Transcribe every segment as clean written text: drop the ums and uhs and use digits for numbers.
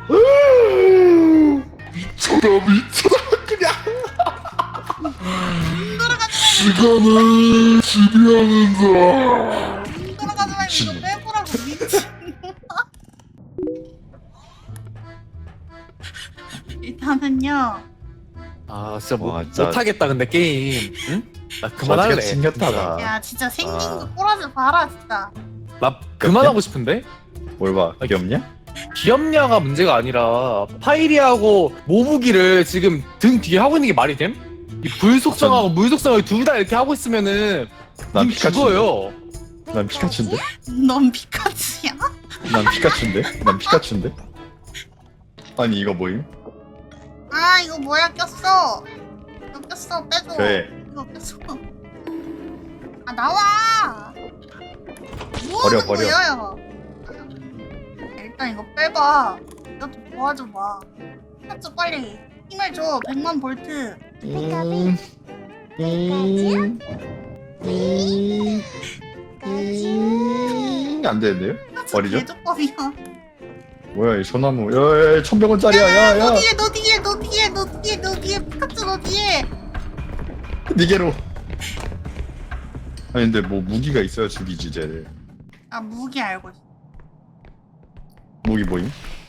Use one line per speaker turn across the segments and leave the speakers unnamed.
미쳐라 미쳐라 그냥
돌아가지
시간을 지배하는 자.
말고 이거 빼보라고 미친. 일단은요.
아 진짜
와, 진짜.
못하겠다 근데 게임. 응? 나 그만할래.
징겼다다.
야 진짜 생긴
아.
거 꼬라지 봐라 진짜.
나 그만하고 싶은데?
뭘 봐? 귀엽냐?
귀엽냐가 문제가 아니라 파이리하고 모부기를 지금 등 뒤에 하고 있는 게 말이 됨? 이 불속성하고 물속성을 둘 다 이렇게 하고 있으면은
난
님 죽어요.
난 피카츄인데?
넌 피카츄야?
난 피카츄인데? 난 피카츄인데? 아니 이거 뭐임?
아 이거 뭐야 꼈어. 이거 꼈어 빼줘.
그래.
이거 꼈어. 아 나와.
버려,
뭐하는
버려.
거야? 일단 이거 빼봐. 이거 좀 도와줘봐. 피카츄 빨리 힘을 줘. 100만 볼트.
안 되는데요?
피카츄
버리죠?
개조법이야.
뭐야 이 소나무 야야야 1100원짜리야 야야
너 뒤에 너 뒤에 너 뒤에 너 뒤에 너 뒤에 피카츄 너 뒤에.
니게로 아니 근데 뭐 무기가 있어야 죽이지 쟤를
아 무기 알고 있어.
무기 뭐임?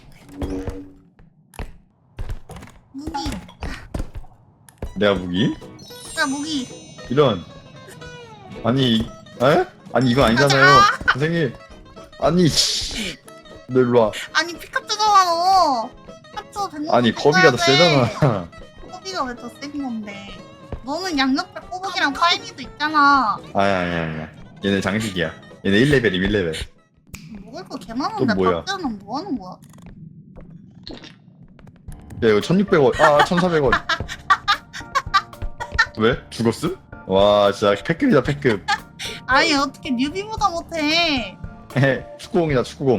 무기.
내가 무기?
야 무기.
이런 아니 에? 아니 이거 아니잖아요 선생님 아니 너 일로와
아니 피카츄잖아 너. 피카츄 100만
아니 거비가 더 세잖아
꼬비가 왜 더 센 건데? 너는 양옆에 꼬북이랑 파이니도 있잖아.
아야 얘네 장식이야 얘네 1레벨임 1레벨
먹을 거 개 많은데
또 뭐야?
박자는 뭐 하는 거야?
야 이거 1600원 아 1400원 왜? 죽었음? 와 진짜 패급이다 패급
아니 어떻게 뉴비보다 못해?
축구공이다 축구공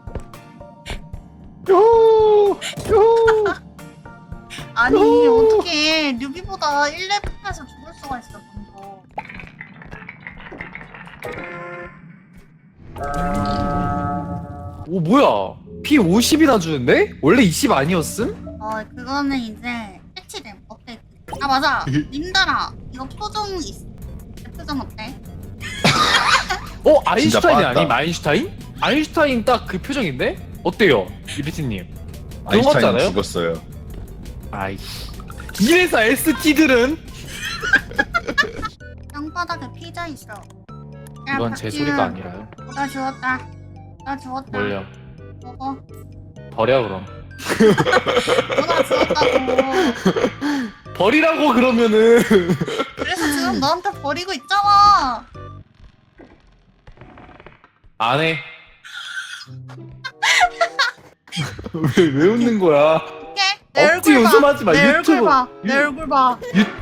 요호 요호
아니
오!
어떻게 뉴비보다 1레벨에서 죽을 수가 있어 방금.
오 뭐야? 피 50이나 주는데? 원래 20 아니었음?
그거는 이제 패치됨 업데이트. 아 맞아 님들아 이거 표정 있어. 내 표정 어때?
아인슈타인이
빠졌다.
아님? 아인슈타인? 아인슈타인 딱 그 표정인데? 어때요? 이리티님 그런 거 같지
아인슈타인
않아요?
죽었어요
아이씨 이래서 ST들은
땅바닥에 피자 있어. 야,
이건 제
박지은.
소리가 아니라요.
나 주웠다. 나 주웠다.
뭘요?
먹어.
버려 그럼.
너나 주웠다고.
버리라고 그러면은
그래서 지금 너한테 버리고 있잖아.
안 해. 왜 웃는 거야?
오케이. 내
억지
얼굴 봐.
웃음하지 마,
내 얼굴
유튜브.
봐. 내 얼굴 봐.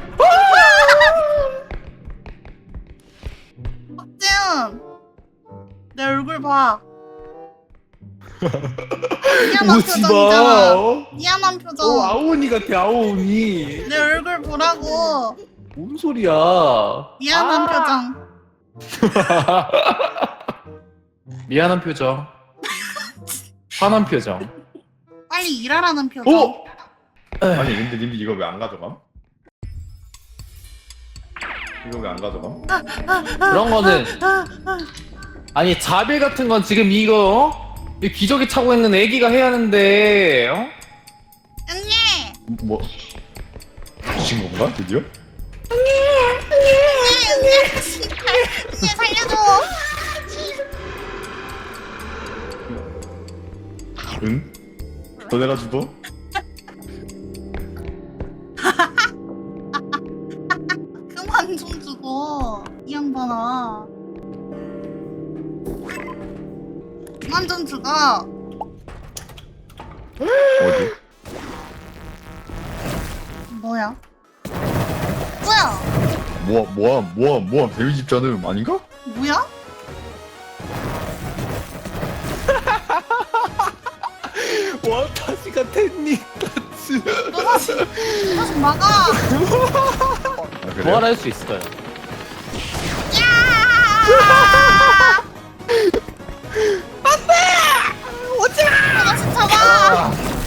박지은. 내 얼굴 봐. 미안한
오지
표정이잖아.
마.
미안한 표정.
아오니 같아 아오니.
내 얼굴 보라고.
뭔 소리야?
미안한 표정.
미안한 표정. 화난 표정.
빨리 일하라는 표정.
오!
아니 근데 님들 이거 왜 안 가져감? 이거 왜 안 가져감?
그런 거는 아니 자빌 같은 건 지금 이거 이 기저귀 차고 있는 애기가 해야 하는데 어?
응애.
뭐 주신 건가 드디어?
응애 진짜. 응애 살려줘.
응? 너네가 죽어?
그만 좀 주고 이 양반아. 그만 좀 주고.
어디?
뭐야? 뭐야?
뭐야 데미지 입자는 아닌가?
뭐야?
와타시가 텐니 타츠
너 다시 막아.
아, 그래요?
부활할 수 있어요.
너 다시 잡아.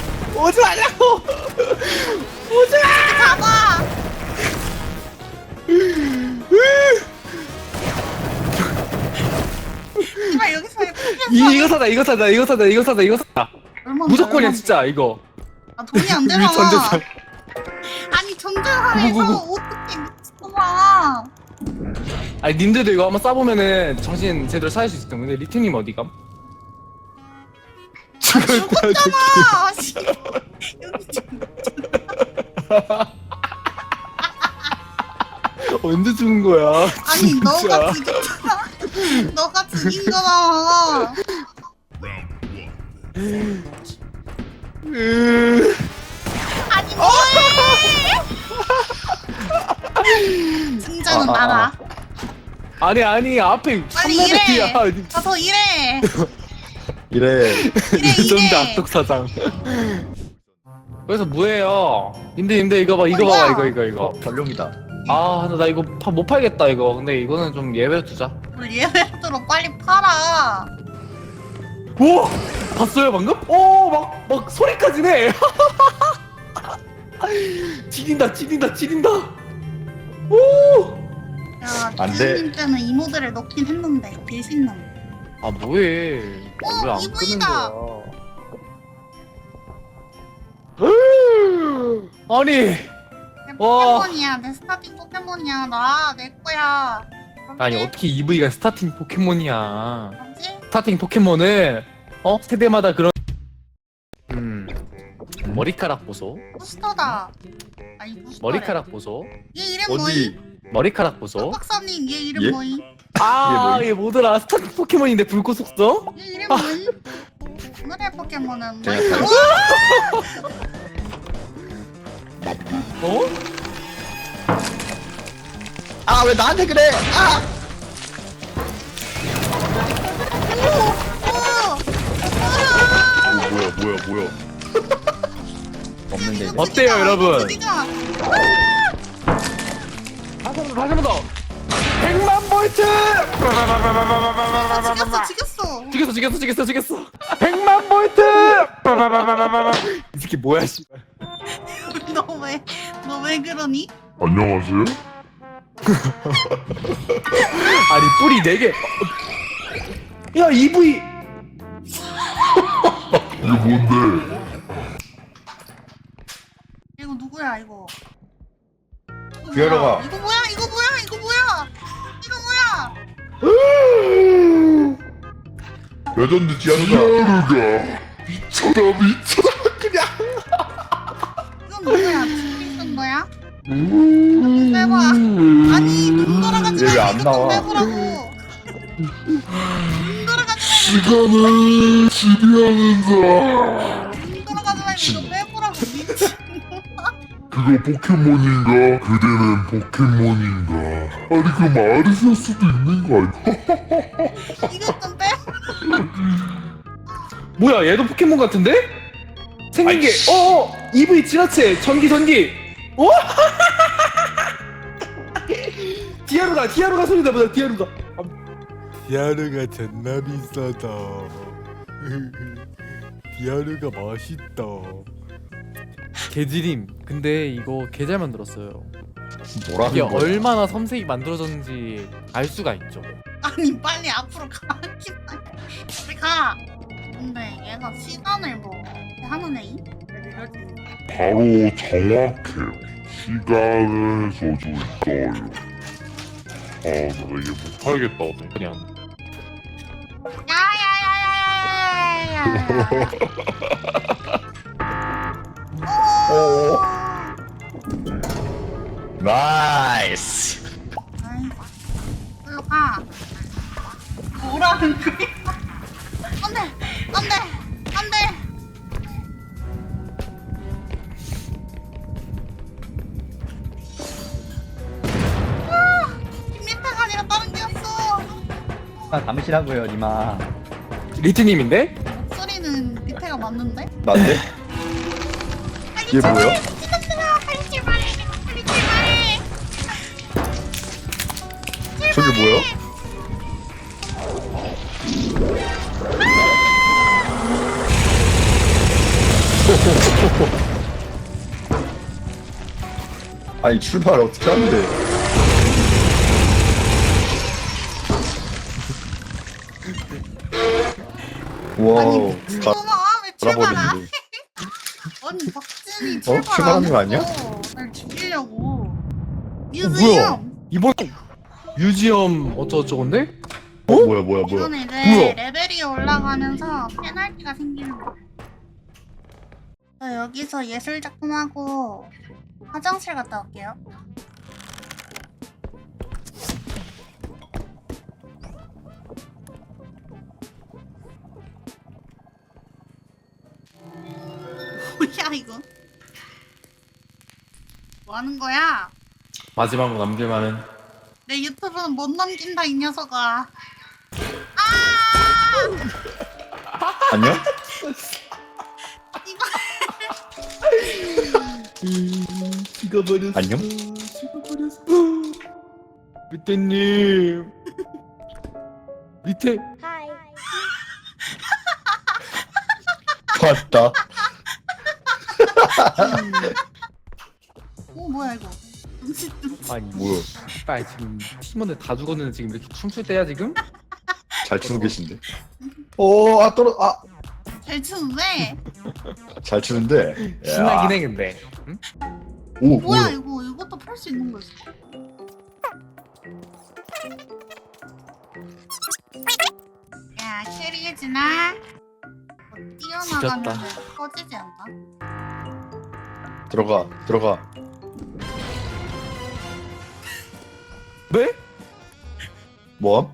오지 말라고. 오지 마.
잡아. 이발 여기서
이거 사다 이거 사다 이거 사다 이거 사다 이거 사다. 무조건이야 진짜 이거.
아 돈이 안 되잖아.
전재산.
아니 전재산에서
구구구구.
어떻게 미쳤구나.
아니 님들도 이거 한번 싸보면은 정신 제대로 차릴 수 있을 텐데. 근데 리트님 어디감?
아 죽었잖아. 씨. 여기 지금
언제 죽은 거야?
아니
진짜.
너가 죽였잖아. 너가 죽인 거잖아. 아니 뭐해? 승자는 나다.
아니 앞에
빨리
3레벨이야.
일해. 가서 일해.
이래.
이래
전대
이래.
악덕 사장. 그래서 뭐예요? 님들 이거 봐 이거
뭐야?
봐봐 이거.
전룡이다.
아, 나 이거 못 팔겠다 이거. 근데 이거는 좀 예외로 두자.
우리 예배도로 빨리 팔아.
오! 봤어요 방금? 오, 막 소리까지 내. 지린다. 오!
야,
안 돼.
기수님 때는 이 모델을 넣긴 했는데 개신남.
아 뭐해? 왜 안 끄는
이분이다.
거야? 아니,
내
와.
포켓몬이야. 내 스타팅 포켓몬이야. 나 내 거야.
아니 어떻게 EV가 스타팅 포켓몬이야?
뭐지?
스타팅 포켓몬은 세대마다 그런 머리카락 보소.
부스터다. 아니 부스터.
머리카락 보소.
얘 이름 뭐임?
어디?
머리카락 보소.
박사님 얘 이름
예?
뭐임?
아,
이게
얘 뭐더라? 스타팅 포켓몬인데 불꽃 속성?
얘 이름 뭐임? 오늘의 포켓몬은
제가
뭐임?
어?
아 왜 나한테 그래? 아! 뭐야? 없는데.
어때요, 여러분?
어디가?
다시 한번 더. 100만 볼트! 죽였어. 100만 볼트! 이 새끼 뭐야, 씨.
너 왜 그러니?
안녕하세요?
아니, 뿌리 4개. 야, EV!
이게 뭔데?
이거 누구야 이거?
기어로가.
이거 뭐야?
레전드 지하루가.
디아루가 미쳐라 그냥.
이건 누구야? 스피슨 거야? 빼봐. 아니 눈 돌아가지
얘 왜안
말고 이거 좀
나와?
빼보라고. 눈 돌아가지
시간을 지배하는다.
말고 이거 빼보라고. 미친.
그거 포켓몬인가? 그대는 포켓몬인가? 아니 그럼 아르세일 수도 있는 거 아니야?
이거 좀 빼.
뭐야, 얘도 포켓몬 같은데? 생긴 게, EV 지나체, 전기. 어? 디아루가 소리 내보자, 디아루가.
디아르가 존나 비싸다. 디아르가 맛있다. 개지림. 근데 이거 개 잘 만들었어요. 이게
뭐라는 거야?
얼마나 섬세히 만들어졌는지 알 수가 있죠.
아니 빨리 앞으로 가. 빨리 가. 근데 얘가 시간을 뭐 하는 애이?
바로 정확해요. 시간을 써줘 있어요. 아, 나 이게 못 팔겠다.
그냥.
오. 나이스.
일로 가. 뭐라는 거야? 안돼. 김민태가 아니라 다른 게였어.
아, 담으시라고요, 니마.
리트님인데?
목소리는 밑에가 맞는데?
난데? 얘 뭐야?
빨리 출발해.
저게 뭐야? 아니 출발 어떻게 하는데? 와우. 가
어머 왜 출발아?
돌아버리는데.
아니 박진이
어?
출발
출발하는 거 아니야?
날 죽이려고.
뭐야?
뮤지엄.
이번 뮤지엄 어쩌고저건데?
뭐야.
이건 이제
뭐야?
레벨이 올라가면서 페널티가 생기는 거야. 저 여기서 예술 작품하고 화장실 갔다 올게요. 뭐야 이거? 뭐 하는 거야?
마지막으로 남길만은
내 유튜브는 못 넘긴다 이 녀석아.
안녕?
이거
안녕?
밑에님 밑에
왔다.
뭐야 이거? dum칫
아니
뭐야?
빨리 지금 팀원들 다 죽었는데 지금 이렇게 춤출 때야 지금?
잘 추고 계신데. 오,
잘 추는데?
잘 추는데.
신나긴 해 근데 응?
오,
뭐야 이거? 이것도 팔 수 있는 거지? 야 캐리해주나? 뛰어나가면
지렸다.
터지지 않나?
들어가.
네?
뭐?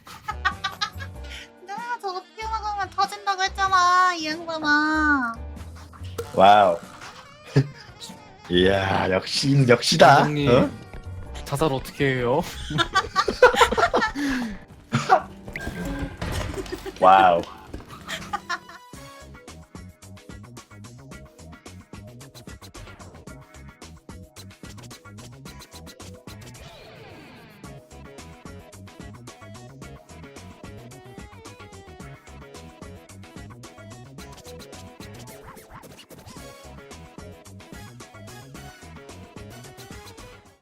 내가 저거 뛰어나가면 터진다고 했잖아 이 양반아.
와우. 이야, 역시다.
감독님
어?
자살 어떻게 해요?
와우.